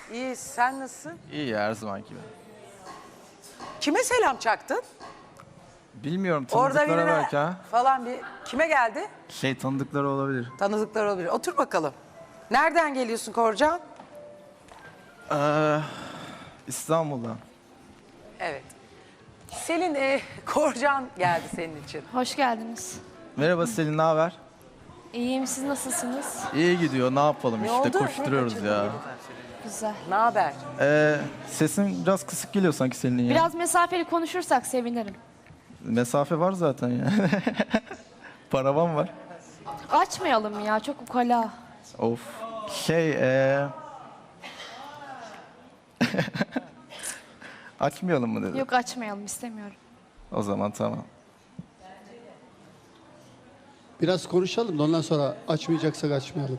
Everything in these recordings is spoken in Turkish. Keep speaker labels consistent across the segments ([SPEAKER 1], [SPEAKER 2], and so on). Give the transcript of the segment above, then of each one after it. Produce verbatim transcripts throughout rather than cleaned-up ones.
[SPEAKER 1] İyi, sen nasılsın?
[SPEAKER 2] İyi ya, her zamanki gibi.
[SPEAKER 1] Kime selam çaktın?
[SPEAKER 2] Bilmiyorum,
[SPEAKER 1] Orada
[SPEAKER 2] tanıdıklara
[SPEAKER 1] birine
[SPEAKER 2] belki ha.
[SPEAKER 1] falan bir... Kime geldi?
[SPEAKER 2] Şey, tanıdıkları olabilir.
[SPEAKER 1] Tanıdıklar olabilir. Otur bakalım. Nereden geliyorsun Korcan?
[SPEAKER 2] Ee, İstanbul'dan.
[SPEAKER 1] Evet. Selin, e, Korcan geldi senin için.
[SPEAKER 3] Hoş geldiniz.
[SPEAKER 2] Merhaba Selin, ne haber?
[SPEAKER 3] İyiyim, siz nasılsınız?
[SPEAKER 2] İyi gidiyor, ne yapalım
[SPEAKER 1] Ne
[SPEAKER 2] işte,
[SPEAKER 1] oldu?
[SPEAKER 2] koşturuyoruz
[SPEAKER 1] Ne
[SPEAKER 2] ya.
[SPEAKER 3] Güzel.
[SPEAKER 1] Ne haber?
[SPEAKER 2] Ee, sesin biraz kısık geliyor sanki Selin'in ya.
[SPEAKER 3] Biraz mesafeli konuşursak sevinirim.
[SPEAKER 2] Mesafe var zaten ya. Paravan var.
[SPEAKER 3] Açmayalım ya, çok ukala.
[SPEAKER 2] Of. Şey, ee... Açmayalım mı dedi.
[SPEAKER 3] Yok, açmayalım, istemiyorum.
[SPEAKER 2] O zaman tamam.
[SPEAKER 4] Biraz konuşalım da ondan sonra açmayacaksak açmayalım.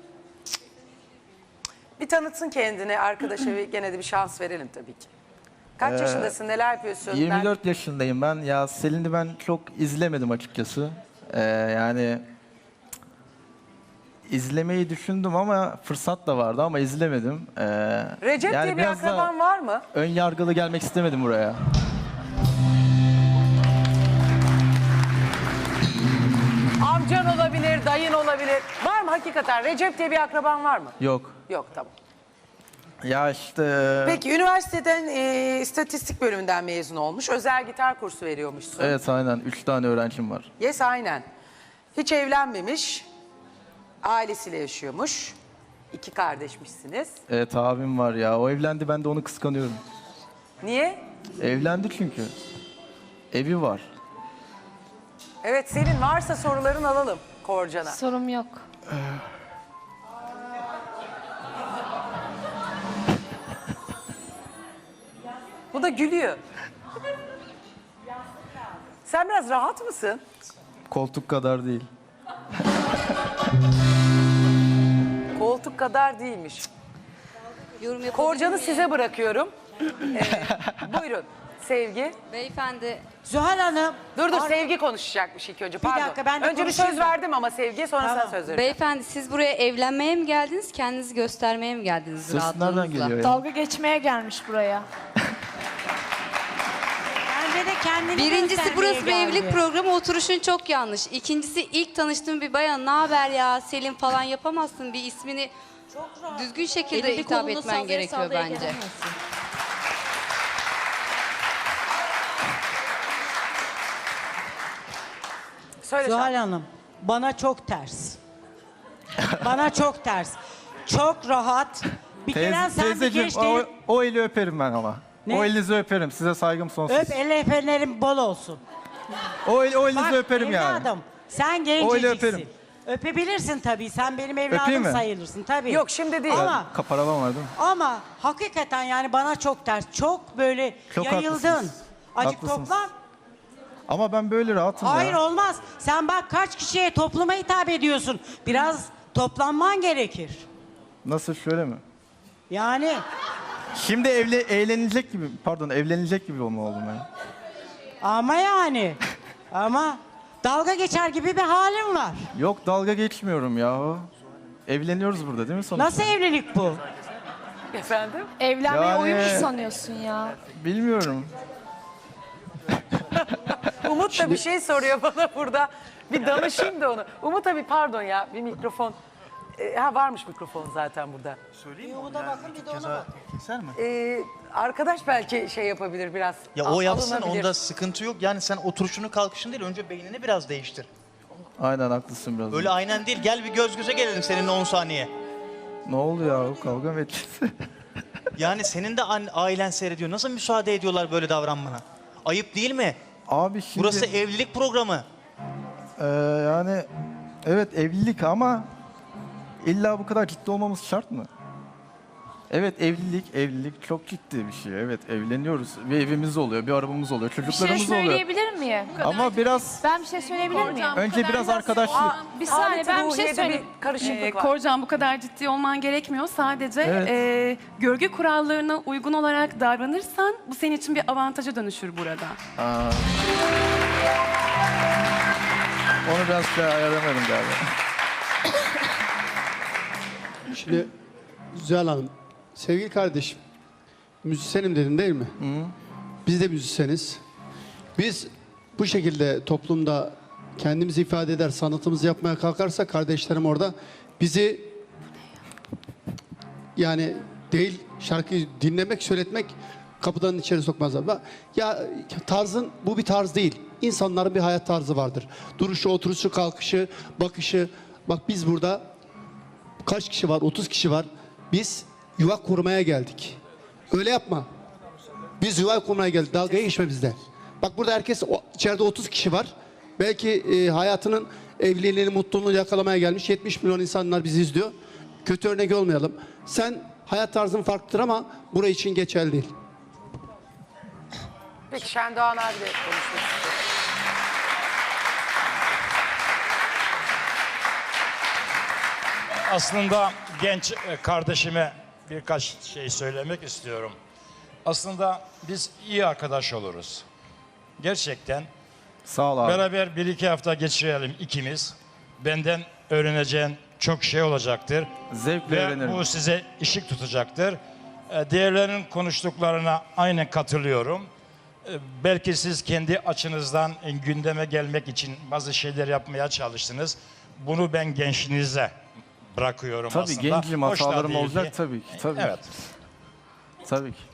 [SPEAKER 1] Bir tanıtsın kendini arkadaşa ve gene de bir şans verelim tabii ki. Kaç
[SPEAKER 2] Ee,
[SPEAKER 1] yaşındasın, neler yapıyorsun?
[SPEAKER 2] yirmi dört yaşındayım ben. Ya Selin'i ben çok izlemedim açıkçası. Ee, yani izlemeyi düşündüm ama fırsat da vardı ama izlemedim. Ee,
[SPEAKER 1] Recep
[SPEAKER 2] yani
[SPEAKER 1] diye bir
[SPEAKER 2] biraz da
[SPEAKER 1] akraban var mı?
[SPEAKER 2] ön yargılı gelmek istemedim buraya.
[SPEAKER 1] Amcan olabilir, dayın olabilir. Var mı hakikaten? Recep diye bir akraban var mı?
[SPEAKER 2] Yok.
[SPEAKER 1] Yok, tamam.
[SPEAKER 2] Ya işte...
[SPEAKER 1] Peki üniversiteden e, istatistik bölümünden mezun olmuş. Özel gitar kursu veriyormuşsun.
[SPEAKER 2] Evet, aynen. Üç tane öğrencim var.
[SPEAKER 1] Yes, aynen. Hiç evlenmemiş. Ailesiyle yaşıyormuş. İki kardeşmişsiniz.
[SPEAKER 2] Evet, abim var ya. O evlendi, ben de onu kıskanıyorum.
[SPEAKER 1] Niye?
[SPEAKER 2] Evlendi çünkü. Evi var.
[SPEAKER 1] Evet, senin varsa soruların alalım Korcan'a.
[SPEAKER 3] Sorum yok.
[SPEAKER 1] Bu da gülüyor. Sen biraz rahat mısın?
[SPEAKER 2] Koltuk kadar değil.
[SPEAKER 1] Koltuk kadar değilmiş.
[SPEAKER 5] Yorum yapabilir
[SPEAKER 1] Korcan'ı
[SPEAKER 5] miyim?
[SPEAKER 1] size bırakıyorum. Ee, buyurun. Sevgi.
[SPEAKER 5] Beyefendi,
[SPEAKER 6] Zuhal Hanım.
[SPEAKER 1] Dur dur,
[SPEAKER 6] Ar-
[SPEAKER 1] Sevgi konuşacakmış ilk önce. Pardon.
[SPEAKER 6] dakika, ben de
[SPEAKER 1] önce bir
[SPEAKER 6] konuşayım
[SPEAKER 1] söz
[SPEAKER 6] da.
[SPEAKER 1] verdim ama Sevgi'ye, sonra
[SPEAKER 6] Tamam.
[SPEAKER 1] sen söz verin.
[SPEAKER 5] beyefendi siz buraya evlenmeye mi geldiniz, kendinizi göstermeye mi geldiniz
[SPEAKER 2] Ses nereden
[SPEAKER 5] rahatlığınızla?
[SPEAKER 2] geliyor ya?
[SPEAKER 3] Dalga geçmeye gelmiş buraya.
[SPEAKER 6] Bence de kendini
[SPEAKER 5] Birincisi
[SPEAKER 6] göstermeye
[SPEAKER 5] burası bir
[SPEAKER 6] geldi.
[SPEAKER 5] evlilik programı, oturuşun çok yanlış. İkincisi ilk tanıştığım bir bayan, ne haber ya Selim falan yapamazsın, bir ismini düzgün şekilde
[SPEAKER 7] Elini
[SPEAKER 5] hitap
[SPEAKER 7] kolunu
[SPEAKER 5] etmen
[SPEAKER 7] sallaya
[SPEAKER 5] gerekiyor
[SPEAKER 7] sallaya
[SPEAKER 5] bence.
[SPEAKER 7] gelemezsin.
[SPEAKER 1] Söyle
[SPEAKER 6] Zuhal
[SPEAKER 1] sen.
[SPEAKER 6] Hanım, bana çok ters. Bana çok ters. Çok rahat. Bir kere
[SPEAKER 2] Teyze,
[SPEAKER 6] sen bir
[SPEAKER 2] teyzeciğim,
[SPEAKER 6] genç
[SPEAKER 2] o,
[SPEAKER 6] değil.
[SPEAKER 2] o eli öperim ben ama.
[SPEAKER 6] Ne?
[SPEAKER 2] O elinizi öperim. Size saygım sonsuz.
[SPEAKER 6] Öp, el efenlerim bol olsun.
[SPEAKER 2] O, el, o elinizi
[SPEAKER 6] Bak
[SPEAKER 2] öperim yani.
[SPEAKER 6] evladım, sen
[SPEAKER 2] Öyle
[SPEAKER 6] genceciksin.
[SPEAKER 2] öperim.
[SPEAKER 6] Öpebilirsin tabii. Sen benim
[SPEAKER 2] Öpeyim
[SPEAKER 6] evladım
[SPEAKER 2] mi?
[SPEAKER 6] sayılırsın tabii.
[SPEAKER 1] Yok, şimdi değil.
[SPEAKER 6] Ama
[SPEAKER 2] Kaparavan var değil mi?
[SPEAKER 6] ama hakikaten yani bana çok ters. Çok böyle
[SPEAKER 2] Çok
[SPEAKER 6] yayıldın.
[SPEAKER 2] haklısınız.
[SPEAKER 6] Acık
[SPEAKER 2] Haklısınız.
[SPEAKER 6] toplan.
[SPEAKER 2] Ama ben böyle rahatım
[SPEAKER 6] Hayır
[SPEAKER 2] ya.
[SPEAKER 6] olmaz. Sen bak kaç kişiye topluma hitap ediyorsun. Biraz toplanman gerekir.
[SPEAKER 2] Nasıl, şöyle mi?
[SPEAKER 6] Yani
[SPEAKER 2] Şimdi evli, eğlenilecek gibi, pardon evlenilecek gibi olma oldum ya.
[SPEAKER 6] ama yani ama dalga geçer gibi bir halin var.
[SPEAKER 2] Yok, dalga geçmiyorum ya. Evleniyoruz burada değil mi sonuçta?
[SPEAKER 6] Nasıl evlilik bu?
[SPEAKER 1] Efendim?
[SPEAKER 3] Evlenmeyi
[SPEAKER 2] Yani-
[SPEAKER 3] oyun mu sanıyorsun ya?
[SPEAKER 2] Bilmiyorum.
[SPEAKER 1] Umut da bir şey soruyor bana burada. Bir danışayım da onu. Umut abi, pardon ya, bir mikrofon. Ee, ha varmış mikrofon zaten burada.
[SPEAKER 8] Keser mi?
[SPEAKER 1] Ee, arkadaş belki şey yapabilir biraz.
[SPEAKER 8] Ya
[SPEAKER 1] al-
[SPEAKER 8] o yapsın,
[SPEAKER 1] alınabilir.
[SPEAKER 8] onda sıkıntı yok. Yani sen oturuşunu kalkışın değil, önce beynini biraz değiştir.
[SPEAKER 2] Aynen, haklısın biraz.
[SPEAKER 8] Öyle aynen değil, gel bir göz göze gelelim seninle on saniye.
[SPEAKER 2] Ne oldu ya? Kavga mı edeceğiz?
[SPEAKER 8] Yani senin de an- ailen seyrediyor. Nasıl müsaade ediyorlar böyle davranmana? Ayıp değil mi?
[SPEAKER 2] Abi şimdi...
[SPEAKER 8] Burası evlilik programı.
[SPEAKER 2] Ee, yani evet, evlilik ama illa bu kadar ciddi olmamız şart mı? Evet, evlilik, evlilik çok ciddi bir şey. Evet, evleniyoruz. Bir evimiz oluyor, bir arabamız oluyor,
[SPEAKER 3] Bir şey
[SPEAKER 2] çocuklarımız oluyor.
[SPEAKER 3] söyleyebilir miyim?
[SPEAKER 2] Ama biraz,
[SPEAKER 3] Ben bir şey söyleyebilir miyim?
[SPEAKER 2] önce biraz arkadaşlık.
[SPEAKER 1] Aa,
[SPEAKER 3] Bir saniye,
[SPEAKER 1] Ahmet
[SPEAKER 3] ben bir şey
[SPEAKER 1] Ruhiye'de
[SPEAKER 3] söyleyeyim.
[SPEAKER 1] bir karışıklık
[SPEAKER 9] Ee,
[SPEAKER 1] var.
[SPEAKER 9] Korcan, bu kadar ciddi olman gerekmiyor. Sadece
[SPEAKER 2] Evet.
[SPEAKER 9] e, görgü kurallarına uygun olarak davranırsan bu senin için bir avantaja dönüşür burada.
[SPEAKER 2] Aa. Onu biraz şey ayarlamadım galiba.
[SPEAKER 4] Şimdi Zuhal Hanım, Sevgili kardeşim, müzisyenim dedin değil mi? Biz de müzisyeniz. Biz bu şekilde toplumda kendimizi ifade eder, sanatımızı yapmaya kalkarsa kardeşlerim orada bizi yani değil şarkıyı dinlemek, söyletmek kapıdan içeri sokmazlar. Bak, ya tarzın bu bir tarz değil. İnsanların bir hayat tarzı vardır. Duruşu, oturuşu, kalkışı, bakışı. Bak biz burada kaç kişi var? otuz kişi var. Biz yuva kurmaya geldik. Öyle yapma. Biz yuva kurmaya geldik. Dalgaya geçme bizde. Bak burada herkes o- içeride otuz kişi var. Belki e, hayatının evliliğini, mutluluğunu yakalamaya gelmiş. yetmiş milyon insanlar bizi izliyor. Kötü örnek olmayalım. Sen hayat tarzın farklıdır ama buraya için geçerli değil.
[SPEAKER 1] Peki Şendoğan abi de konuşmak istiyor.
[SPEAKER 7] Aslında genç e, kardeşime birkaç şey söylemek istiyorum. Aslında biz iyi arkadaş oluruz. Gerçekten
[SPEAKER 2] Sağ ol abi.
[SPEAKER 7] beraber bir iki hafta geçirelim ikimiz. Benden öğreneceğin çok şey olacaktır.
[SPEAKER 2] Zevkle
[SPEAKER 7] Ve
[SPEAKER 2] öğrenirim.
[SPEAKER 7] bu size ışık tutacaktır. E, Diğerlerinin konuştuklarına aynen katılıyorum. E, Belki siz kendi açınızdan e, gündeme gelmek için bazı şeyler yapmaya çalıştınız. Bunu ben gençliğinize bırakıyorum
[SPEAKER 2] Tabii
[SPEAKER 7] aslında.
[SPEAKER 2] gencim,
[SPEAKER 7] Hoş da
[SPEAKER 2] hatalarım
[SPEAKER 7] değil
[SPEAKER 2] olacak
[SPEAKER 7] ki.
[SPEAKER 2] tabii ki. Tabii.
[SPEAKER 7] Evet.
[SPEAKER 2] Tabii ki.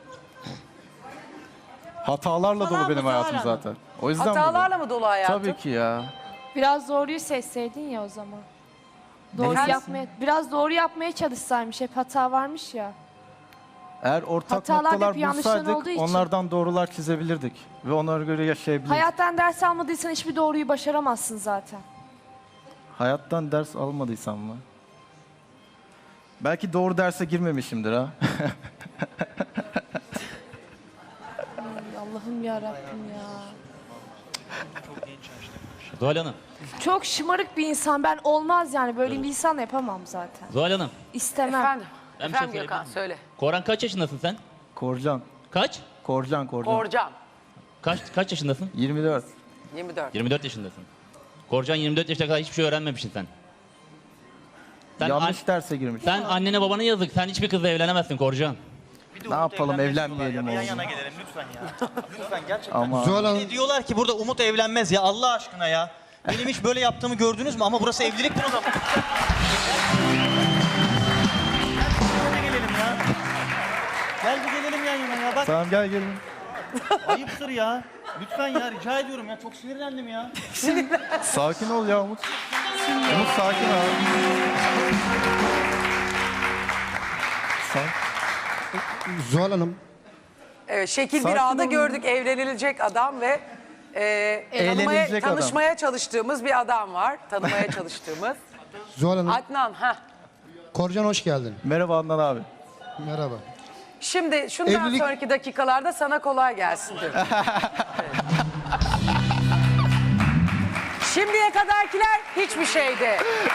[SPEAKER 2] Hatalarla dolu benim hayatım zaten. O yüzden
[SPEAKER 1] Hatalarla mı dolu hayatım?
[SPEAKER 2] Tabii ki ya.
[SPEAKER 3] Biraz doğruyu seçseydin ya o zaman. Doğru
[SPEAKER 1] Efendim?
[SPEAKER 3] yapmaya, biraz doğru yapmaya çalışsaymış. Hep hata varmış ya.
[SPEAKER 2] Eğer ortak
[SPEAKER 3] Hatalar
[SPEAKER 2] noktalar
[SPEAKER 3] hep yanlışların
[SPEAKER 2] bulsaydık
[SPEAKER 3] olduğu için.
[SPEAKER 2] onlardan doğrular çizebilirdik. Ve onlara göre yaşayabilirdik.
[SPEAKER 3] Hayattan ders almadıysan hiçbir doğruyu başaramazsın zaten.
[SPEAKER 2] Hayattan ders almadıysam mı? Belki doğru derse girmemişimdir ha.
[SPEAKER 3] Ay, Allah'ım ya Rabbim ya.
[SPEAKER 10] Zuhal Hanım,
[SPEAKER 3] Çok şımarık bir insan. Ben olmaz yani. Böyle bir insan yapamam zaten.
[SPEAKER 10] Zuhal Hanım.
[SPEAKER 3] İstemem.
[SPEAKER 1] Efendim,
[SPEAKER 10] Ben bir şey
[SPEAKER 1] efendim
[SPEAKER 10] söyleyebilir
[SPEAKER 1] Gökhan
[SPEAKER 10] miyim?
[SPEAKER 1] söyle.
[SPEAKER 10] Koran kaç yaşındasın sen?
[SPEAKER 2] Korcan.
[SPEAKER 10] Kaç?
[SPEAKER 2] Korcan, Korcan.
[SPEAKER 1] Korcan
[SPEAKER 10] Kaç kaç yaşındasın?
[SPEAKER 2] yirmi dört.
[SPEAKER 1] yirmi dört.
[SPEAKER 10] yirmi dört yaşındasın. Korcan yirmi dört yaşına kadar hiçbir şey öğrenmemişsin sen. Sen,
[SPEAKER 2] Yanlış
[SPEAKER 10] an-
[SPEAKER 2] derse girmiş.
[SPEAKER 10] sen annene babana yazık. Sen hiçbir kızla evlenemezsin Korcan.
[SPEAKER 8] Bir de
[SPEAKER 2] Ne
[SPEAKER 8] Umut
[SPEAKER 2] yapalım,
[SPEAKER 8] evlenmez
[SPEAKER 2] evlenmeyelim
[SPEAKER 8] diyorlar ya. Bir
[SPEAKER 2] oğlum.
[SPEAKER 8] yan yana gelelim lütfen ya. Lütfen gerçekten.
[SPEAKER 2] Ama
[SPEAKER 4] Zuhal Hanım,
[SPEAKER 8] Ne diyorlar ki burada Umut evlenmez ya Allah aşkına ya. Benim hiç böyle yaptığımı gördünüz mü? Ama burası evliliktir o zaman. Gel bir gelelim ya. Gel bir gelelim yan yana ya. Bak
[SPEAKER 2] tamam gel gelin.
[SPEAKER 8] ayıptır ya. Lütfen ya rica ediyorum ya. Çok sinirlendim ya.
[SPEAKER 2] Sakin ol ya Umut. Umut sakin ol. Sen
[SPEAKER 4] Zuhal Hanım,
[SPEAKER 1] Evet, şekil
[SPEAKER 2] Sakin
[SPEAKER 1] bir anda
[SPEAKER 2] olun.
[SPEAKER 1] gördük evlenilecek adam ve e, tanımaya,
[SPEAKER 2] Eğlenilecek adam.
[SPEAKER 1] tanışmaya çalıştığımız bir adam var. Tanımaya çalıştığımız.
[SPEAKER 4] Zuhal Hanım,
[SPEAKER 1] Adnan, ha.
[SPEAKER 4] Korcan hoş geldin.
[SPEAKER 2] merhaba Adnan abi.
[SPEAKER 4] Merhaba.
[SPEAKER 1] Şimdi şundan
[SPEAKER 4] Evlilik-
[SPEAKER 1] sonraki dakikalarda sana kolay gelsin diyorum. Evet. Şimdiye kadarkiler hiçbir şeydi.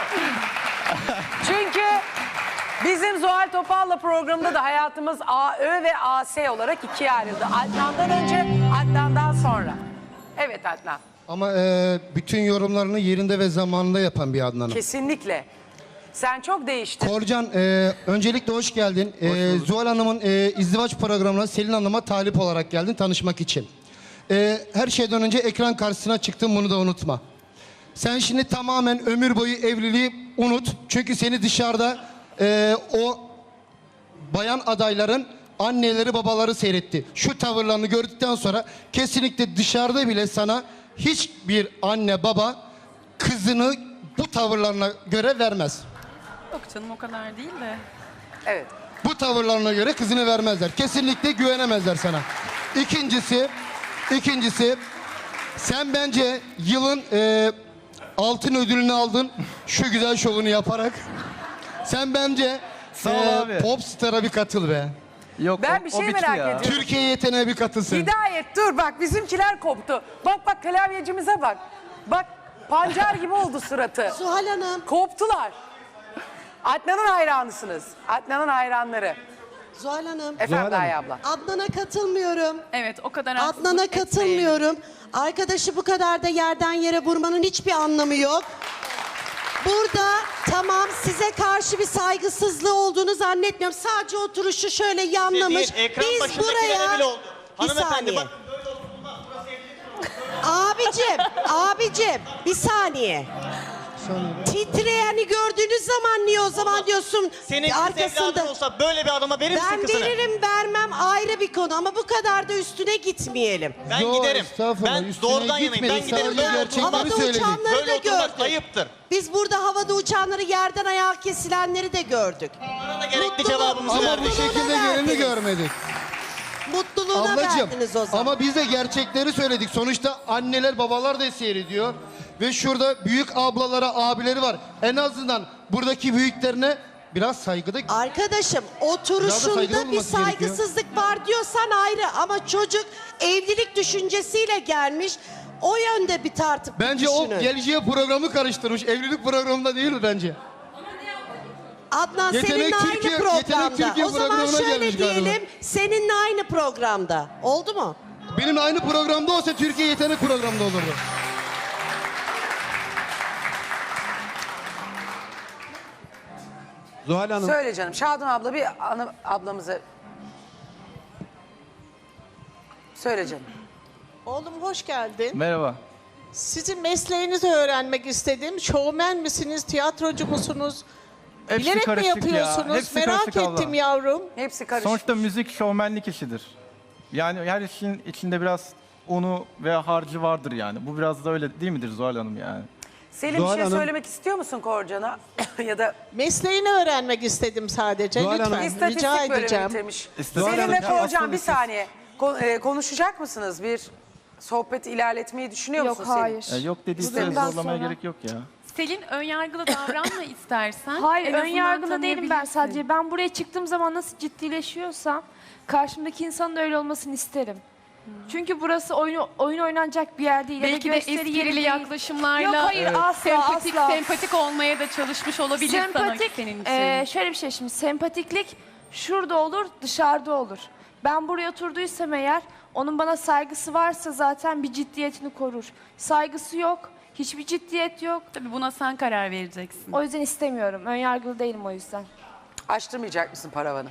[SPEAKER 1] Çünkü bizim Zuhal Topal'la programda da hayatımız A Ö ve A S olarak ikiye ayrıldı. Adnan'dan önce, Adnan'dan sonra. Evet Adnan,
[SPEAKER 4] Ama e, bütün yorumlarını yerinde ve zamanında yapan bir Adnan'ım.
[SPEAKER 1] kesinlikle. Sen çok değiştin.
[SPEAKER 4] Korcan, e, öncelikle hoş geldin. E, Zuhal Hanım'ın e, izdivaç programına Selin Hanım'a talip olarak geldin tanışmak için. E, her şeyden önce ekran karşısına çıktın, bunu da unutma. Sen şimdi tamamen ömür boyu evliliği unut. Çünkü seni dışarıda e, o bayan adayların anneleri babaları seyretti. Şu tavırlarını gördükten sonra kesinlikle dışarıda bile sana hiçbir anne baba kızını bu tavırlarına göre vermez.
[SPEAKER 9] Yok canım o kadar değil de.
[SPEAKER 1] Evet.
[SPEAKER 4] Bu tavırlarına göre kızını vermezler. Kesinlikle güvenemezler sana. İkincisi, ikincisi sen bence yılın e, altın ödülünü aldın şu güzel şovunu yaparak. Sen bence
[SPEAKER 2] Sağ ol abi.
[SPEAKER 4] Popstar'a bir katıl be.
[SPEAKER 2] Yok
[SPEAKER 1] Ben
[SPEAKER 2] o-
[SPEAKER 1] bir
[SPEAKER 2] o
[SPEAKER 1] şey
[SPEAKER 2] bitti
[SPEAKER 1] merak
[SPEAKER 2] ya.
[SPEAKER 1] ediyorum.
[SPEAKER 4] Türkiye yeteneğe bir katılsın.
[SPEAKER 1] Hidayet dur bak bizimkiler koptu. Bak bak klavyecimize bak. Bak pancar gibi oldu suratı.
[SPEAKER 11] Zuhal Hanım,
[SPEAKER 1] Koptular. Adnan'ın hayranısınız. Adnan'ın hayranları.
[SPEAKER 11] Zuhal Hanım.
[SPEAKER 1] Efendim Gaye abla.
[SPEAKER 11] Adnan'a katılmıyorum.
[SPEAKER 9] Evet o kadar haksızlık
[SPEAKER 11] Adnan'a
[SPEAKER 9] etmeyin.
[SPEAKER 11] katılmıyorum. Arkadaşı bu kadar da yerden yere vurmanın hiçbir anlamı yok. Burada Tamam, size karşı bir saygısızlığı olduğunu zannetmiyorum. Sadece oturuşu şöyle yanlamış.
[SPEAKER 8] Değil, ekran
[SPEAKER 11] Biz
[SPEAKER 8] başındakilere
[SPEAKER 11] buraya...
[SPEAKER 8] bile oldu.
[SPEAKER 11] Bir
[SPEAKER 8] Hanımefendi
[SPEAKER 11] saniye.
[SPEAKER 8] bakın böyle oturulmaz. Burası evlilik.
[SPEAKER 11] Abicim, abicim bir saniye. Titreyeni gördüğünüz zaman niye o zaman diyorsun
[SPEAKER 8] Senin kız evladın olsa böyle bir adama verir misin
[SPEAKER 11] Ben
[SPEAKER 8] kızını?
[SPEAKER 11] veririm vermem ayrı bir konu ama bu kadar da üstüne gitmeyelim.
[SPEAKER 8] Ben
[SPEAKER 12] Yo,
[SPEAKER 8] giderim.
[SPEAKER 12] estağfurullah,
[SPEAKER 8] Ben
[SPEAKER 12] üstüne
[SPEAKER 8] doğrudan yanayım. Ben
[SPEAKER 12] gitmedik,
[SPEAKER 8] giderim.
[SPEAKER 12] sadece
[SPEAKER 8] Böyle
[SPEAKER 12] gerçekleri
[SPEAKER 8] oturulmaz.
[SPEAKER 11] Havada
[SPEAKER 12] söyledik.
[SPEAKER 11] uçanları
[SPEAKER 8] Böyle
[SPEAKER 11] da
[SPEAKER 8] oturmak
[SPEAKER 11] gördük.
[SPEAKER 8] ayıptır.
[SPEAKER 11] Biz burada havada uçanları yerden ayağa kesilenleri de gördük.
[SPEAKER 8] Bana da gerekli
[SPEAKER 11] Mutluluğu-
[SPEAKER 8] cevabımızı
[SPEAKER 12] Ama bu
[SPEAKER 8] verdik.
[SPEAKER 12] şekilde
[SPEAKER 11] Mutluluğuna
[SPEAKER 12] geleni
[SPEAKER 11] verdiniz.
[SPEAKER 12] görmedik.
[SPEAKER 11] Mutluluğuna
[SPEAKER 12] Ablacığım
[SPEAKER 11] verdiniz o zaman.
[SPEAKER 12] ama biz de gerçekleri söyledik. Sonuçta anneler babalar da seyrediyor. Ve şurada büyük ablalara abileri var. En azından buradaki büyüklerine biraz saygıda...
[SPEAKER 11] Arkadaşım
[SPEAKER 12] Biraz da
[SPEAKER 11] oturuşunda
[SPEAKER 12] saygılı
[SPEAKER 11] bir
[SPEAKER 12] olması gerekiyor.
[SPEAKER 11] saygısızlık var diyorsan ayrı ama çocuk evlilik düşüncesiyle gelmiş. O yönde bir tartıp
[SPEAKER 12] Bence
[SPEAKER 11] düşünün.
[SPEAKER 12] o geleceğe programı karıştırmış. Evlilik programında değil mi bence?
[SPEAKER 11] Adnan
[SPEAKER 12] Yetenek
[SPEAKER 11] seninle
[SPEAKER 12] Türkiye-
[SPEAKER 11] aynı programda.
[SPEAKER 12] Yetenek Türkiye
[SPEAKER 11] O zaman
[SPEAKER 12] programına
[SPEAKER 11] şöyle
[SPEAKER 12] gelmiş galiba.
[SPEAKER 11] diyelim seninle aynı programda. Oldu mu?
[SPEAKER 12] Benimle aynı programda olsa Türkiye Yetenek programında olurdu.
[SPEAKER 13] Zuhal Hanım,
[SPEAKER 1] Söyle canım. Şadan abla bir ana, ablamıza... Söyle canım.
[SPEAKER 14] Oğlum hoş geldin.
[SPEAKER 2] Merhaba.
[SPEAKER 14] Sizin mesleğinizi öğrenmek istedim. Şovmen misiniz, tiyatrocu musunuz?
[SPEAKER 2] Hepsi
[SPEAKER 14] Bilerek mi
[SPEAKER 2] karışık ya,
[SPEAKER 14] yapıyorsunuz?
[SPEAKER 2] hepsi
[SPEAKER 14] Merak
[SPEAKER 2] karışık abla.
[SPEAKER 14] ettim yavrum.
[SPEAKER 1] Hepsi karışık.
[SPEAKER 2] Sonuçta müzik şovmenlik işidir. Yani her işin içinde biraz unu ve harcı vardır yani. Bu biraz da öyle değil midir Zuhal Hanım yani?
[SPEAKER 1] Selim
[SPEAKER 13] Zuhal
[SPEAKER 1] bir şey
[SPEAKER 13] Hanım-
[SPEAKER 1] söylemek istiyor musun Korcan'a? Ya da
[SPEAKER 14] Mesleğini öğrenmek istedim sadece.
[SPEAKER 13] Zuhal
[SPEAKER 14] Lütfen
[SPEAKER 13] Hanım-
[SPEAKER 14] rica
[SPEAKER 1] istatistik bölümü
[SPEAKER 14] edeceğim.
[SPEAKER 1] bitirmiş.
[SPEAKER 2] İstatistik-
[SPEAKER 1] Selim ve
[SPEAKER 2] Ya
[SPEAKER 1] Korcan
[SPEAKER 2] aslında
[SPEAKER 1] bir
[SPEAKER 2] siz-
[SPEAKER 1] saniye. Ko- e, konuşacak mısınız? Bir sohbet ilerletmeyi düşünüyor
[SPEAKER 3] Yok
[SPEAKER 1] musun Selim?
[SPEAKER 3] hayır.
[SPEAKER 2] E, yok dediyseniz
[SPEAKER 3] Bundan
[SPEAKER 2] zorlamaya
[SPEAKER 3] sonra-
[SPEAKER 2] gerek yok ya.
[SPEAKER 9] Selin önyargılı davranma istersen.
[SPEAKER 3] Hayır
[SPEAKER 9] En
[SPEAKER 3] ön
[SPEAKER 9] azından
[SPEAKER 3] yargılı değilim ben
[SPEAKER 9] tanıyabilirsin.
[SPEAKER 3] sadece. Ben buraya çıktığım zaman nasıl ciddileşiyorsam karşımdaki insanın da öyle olmasını isterim. Çünkü burası oyun, oyun oynanacak bir yer değil. ya da
[SPEAKER 9] Belki de
[SPEAKER 3] gösteri yeri
[SPEAKER 9] esprili
[SPEAKER 3] değil.
[SPEAKER 9] yaklaşımlarla
[SPEAKER 3] Yok hayır asla
[SPEAKER 9] sempatik,
[SPEAKER 3] asla.
[SPEAKER 9] sempatik olmaya da çalışmış olabilir sana
[SPEAKER 3] Sempatik,
[SPEAKER 9] senin için.
[SPEAKER 3] e, şöyle bir şey şimdi sempatiklik şurada olur dışarıda olur. Ben buraya oturduysam eğer onun bana saygısı varsa zaten bir ciddiyetini korur. Saygısı yok, hiçbir ciddiyet yok.
[SPEAKER 9] Tabii buna sen karar vereceksin.
[SPEAKER 3] O yüzden istemiyorum. Önyargılı değilim o yüzden.
[SPEAKER 1] Açtırmayacak mısın paravanı?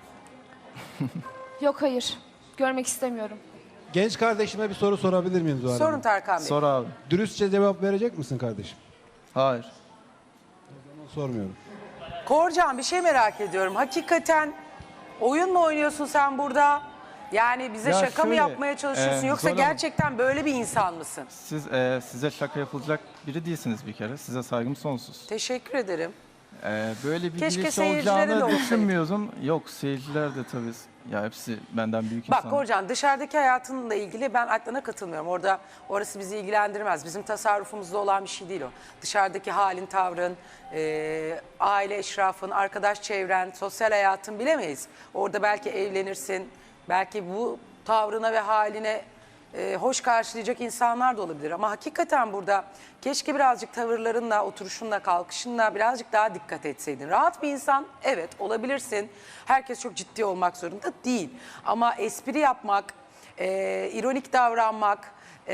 [SPEAKER 3] Yok hayır. Görmek istemiyorum.
[SPEAKER 13] genç kardeşime bir soru sorabilir miyim Zuhal
[SPEAKER 1] Sorun
[SPEAKER 13] Hanım?
[SPEAKER 1] Tarkan Bey.
[SPEAKER 2] Sor abi.
[SPEAKER 13] Dürüstçe cevap verecek misin kardeşim?
[SPEAKER 2] Hayır.
[SPEAKER 13] Sormuyorum.
[SPEAKER 1] Korcan bir şey merak ediyorum. Hakikaten oyun mu oynuyorsun sen burada? Yani bize
[SPEAKER 2] Ya
[SPEAKER 1] şaka mı
[SPEAKER 2] şöyle,
[SPEAKER 1] yapmaya çalışıyorsun
[SPEAKER 2] e,
[SPEAKER 1] yoksa
[SPEAKER 2] Zuhal Hanım-
[SPEAKER 1] gerçekten böyle bir insan mısın?
[SPEAKER 2] Siz e, size şaka yapılacak biri değilsiniz bir kere. Size saygım sonsuz.
[SPEAKER 1] Teşekkür ederim.
[SPEAKER 2] E, böyle bir
[SPEAKER 1] Keşke
[SPEAKER 2] birisi
[SPEAKER 1] seyircilere de
[SPEAKER 2] olacağını
[SPEAKER 1] olsaydı.
[SPEAKER 2] düşünmüyordum. Yok seyirciler de tabii. Ya hepsi benden büyük
[SPEAKER 1] Bak
[SPEAKER 2] insanlar.
[SPEAKER 1] Korcan dışarıdaki hayatınla ilgili ben Adnan'a katılmıyorum. Orada orası bizi ilgilendirmez. Bizim tasarrufumuzda olan bir şey değil o. Dışarıdaki halin, tavrın, e, aile eşrafın, arkadaş çevren, sosyal hayatın bilemeyiz. Orada belki evlenirsin, belki bu tavrına ve haline e, hoş karşılayacak insanlar da olabilir. Ama hakikaten burada keşke birazcık tavırlarınla, oturuşunla, kalkışınla birazcık daha dikkat etseydin. Rahat bir insan, evet olabilirsin. Herkes çok ciddi olmak zorunda değil. Ama espri yapmak, e, ironik davranmak e,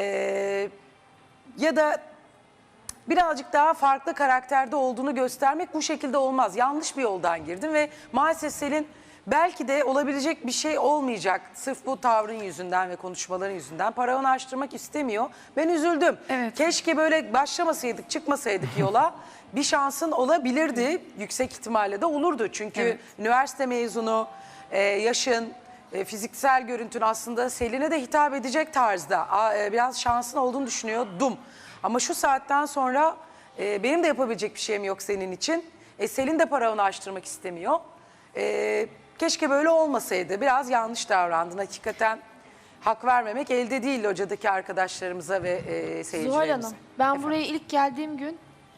[SPEAKER 1] ya da birazcık daha farklı karakterde olduğunu göstermek bu şekilde olmaz. Yanlış bir yoldan girdin ve maalesef Selin belki de olabilecek bir şey olmayacak. Sırf bu tavrın yüzünden ve konuşmaların yüzünden paravanı açtırmak istemiyor. Ben üzüldüm.
[SPEAKER 9] Evet.
[SPEAKER 1] Keşke böyle başlamasaydık, çıkmasaydık yola. Bir şansın olabilirdi. Yüksek ihtimalle de olurdu. Çünkü
[SPEAKER 9] Evet.
[SPEAKER 1] üniversite mezunu, e, yaşın, e, fiziksel görüntün aslında Selin'e de hitap edecek tarzda. A, e, biraz şansın olduğunu düşünüyordum. Ama şu saatten sonra e, benim de yapabilecek bir şeyim yok senin için. E, Selin de paravanı açtırmak istemiyor. E, keşke böyle olmasaydı. Biraz yanlış davrandın. Hakikaten hak vermemek elde değil locadaki arkadaşlarımıza ve e, seyircilerimize.
[SPEAKER 3] Zuhal Hanım, ben
[SPEAKER 1] Efendim?
[SPEAKER 3] buraya ilk geldiğim gün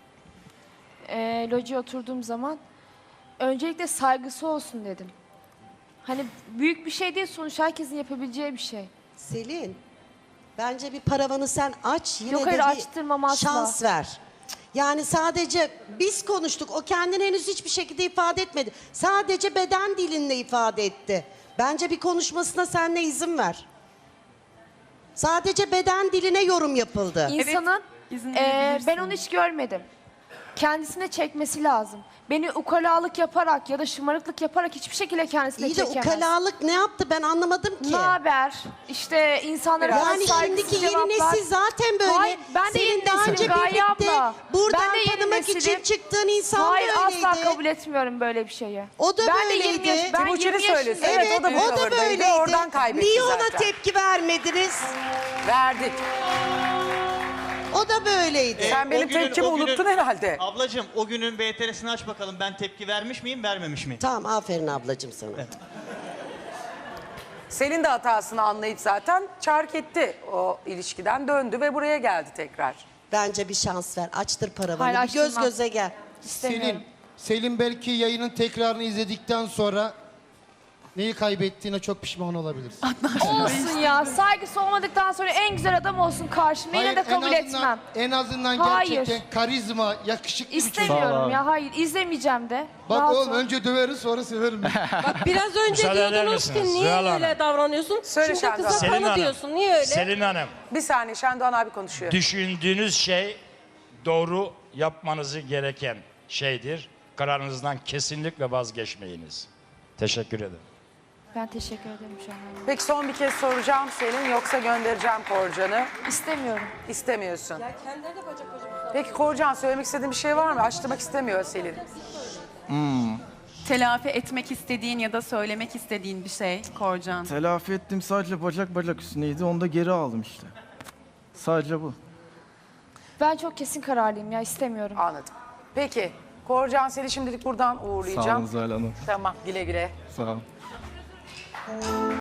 [SPEAKER 3] e, locaya oturduğum zaman öncelikle saygısı olsun dedim. Hani büyük bir şey değil sonuç herkesin yapabileceği bir şey.
[SPEAKER 11] Selin, bence bir paravanı sen aç yine
[SPEAKER 3] Yok,
[SPEAKER 11] de
[SPEAKER 3] hayır,
[SPEAKER 11] bir
[SPEAKER 3] açtırmam asla.
[SPEAKER 11] şans ver. Yani sadece biz konuştuk. O kendini henüz hiçbir şekilde ifade etmedi. Sadece beden dilinle ifade etti. Bence bir konuşmasına sen de izin ver. Sadece beden diline yorum yapıldı.
[SPEAKER 3] İnsanın
[SPEAKER 9] izin
[SPEAKER 3] e,
[SPEAKER 9] verebilirsin.
[SPEAKER 3] ben onu hiç görmedim. kendisine çekmesi lazım. Beni ukalalık yaparak ya da şımarıklık yaparak hiçbir şekilde kendisine
[SPEAKER 11] İyi de
[SPEAKER 3] çekemez.
[SPEAKER 11] ukalalık ne yaptı ben anlamadım ki.
[SPEAKER 3] Ne haber? İşte insanlara
[SPEAKER 11] Yani
[SPEAKER 3] biraz saygısız
[SPEAKER 11] şimdiki yeni
[SPEAKER 3] cevaplar.
[SPEAKER 11] nesil zaten böyle.
[SPEAKER 3] Hayır, ben de
[SPEAKER 11] Senin
[SPEAKER 3] yeni
[SPEAKER 11] daha
[SPEAKER 3] nesilim
[SPEAKER 11] önce
[SPEAKER 3] Gaye
[SPEAKER 11] birlikte
[SPEAKER 3] abla.
[SPEAKER 11] buradan
[SPEAKER 3] Ben de yeni
[SPEAKER 11] tanımak
[SPEAKER 3] nesilim.
[SPEAKER 11] için çıktığın insan
[SPEAKER 3] Hayır,
[SPEAKER 11] da öyleydi.
[SPEAKER 3] asla kabul etmiyorum böyle bir şeyi.
[SPEAKER 11] O da
[SPEAKER 3] ben
[SPEAKER 11] böyleydi.
[SPEAKER 3] De yirmi yaş, ben
[SPEAKER 1] Timuçin'i
[SPEAKER 3] yirmi
[SPEAKER 1] söylesin.
[SPEAKER 3] yaşındayım.
[SPEAKER 1] Evet, o da bu
[SPEAKER 11] o da
[SPEAKER 1] tavırdaydı,
[SPEAKER 11] böyleydi.
[SPEAKER 1] oradan kaybetti
[SPEAKER 11] Niye ona
[SPEAKER 1] zaten.
[SPEAKER 11] tepki vermediniz?
[SPEAKER 1] Verdik.
[SPEAKER 11] O da böyleydi.
[SPEAKER 1] Sen benim
[SPEAKER 8] O günün-
[SPEAKER 1] tepkimi
[SPEAKER 8] o günün-
[SPEAKER 1] unuttun herhalde.
[SPEAKER 8] Ablacığım o günün B T R'sini aç bakalım. Ben tepki vermiş miyim, vermemiş miyim?
[SPEAKER 11] Tamam aferin ablacığım sana.
[SPEAKER 1] Selin de hatasını anlayıp zaten çark etti o ilişkiden, döndü ve buraya geldi tekrar.
[SPEAKER 11] Bence bir şans ver. Açtır paravanı.
[SPEAKER 3] Hayır,
[SPEAKER 11] bir göz
[SPEAKER 3] açtırmam.
[SPEAKER 11] göze gel.
[SPEAKER 3] İstemiyorum.
[SPEAKER 12] Selin, Selin belki yayının tekrarını izledikten sonra neyi kaybettiğine çok pişman olabilirsin.
[SPEAKER 3] Olsun ya. Saygısı olmadıktan sonra en güzel adam olsun karşımda. Yine de
[SPEAKER 12] Hayır, en
[SPEAKER 3] kabul
[SPEAKER 12] azından-
[SPEAKER 3] etmem.
[SPEAKER 12] En azından
[SPEAKER 3] Hayır.
[SPEAKER 12] gerçekten karizma, yakışıklı bir çocuk.
[SPEAKER 3] İstemiyorum ya. Hayır. izlemeyeceğim de.
[SPEAKER 12] Bak
[SPEAKER 3] Rahat
[SPEAKER 12] oğlum
[SPEAKER 3] ol.
[SPEAKER 12] önce döveriz sonra severim.
[SPEAKER 15] Biraz önce
[SPEAKER 7] Müsaade eder
[SPEAKER 15] diyordunuz ki
[SPEAKER 7] misiniz?
[SPEAKER 15] niye
[SPEAKER 7] Zuhal Hanım.
[SPEAKER 15] öyle davranıyorsun?
[SPEAKER 1] Söyle
[SPEAKER 15] Şimdi
[SPEAKER 1] Şendoğan.
[SPEAKER 15] kıza
[SPEAKER 7] Selin
[SPEAKER 15] tanı
[SPEAKER 7] Hanım.
[SPEAKER 15] diyorsun. Niye öyle?
[SPEAKER 7] Selin Hanım,
[SPEAKER 1] Bir saniye, Şendoğan abi konuşuyor.
[SPEAKER 7] düşündüğünüz şey doğru yapmanızı gereken şeydir. Kararınızdan kesinlikle vazgeçmeyiniz. Teşekkür ederim.
[SPEAKER 3] Ben teşekkür ederim şu an.
[SPEAKER 1] Peki son bir kez soracağım Selin, yoksa göndereceğim Korcan'ı.
[SPEAKER 3] İstemiyorum.
[SPEAKER 1] İstemiyorsun.
[SPEAKER 15] Ya kendileri de bacak bacak.
[SPEAKER 1] Peki Korcan, söylemek istediğin bir şey var mı? Açtırmak istemiyor Selin.
[SPEAKER 9] Telafi etmek istediğin ya da söylemek istediğin bir şey Korcan.
[SPEAKER 2] Telafi ettim, sadece bacak bacak üstüneydi. Onu da geri aldım işte. Sadece bu.
[SPEAKER 3] Ben çok kesin kararlıyım ya. istemiyorum.
[SPEAKER 1] Anladım. Peki Korcan, seni şimdilik buradan
[SPEAKER 2] Sağ olun
[SPEAKER 1] uğurlayacağım.
[SPEAKER 2] Zuhal Hanım.
[SPEAKER 1] Tamam, güle güle.
[SPEAKER 2] Sağ olun.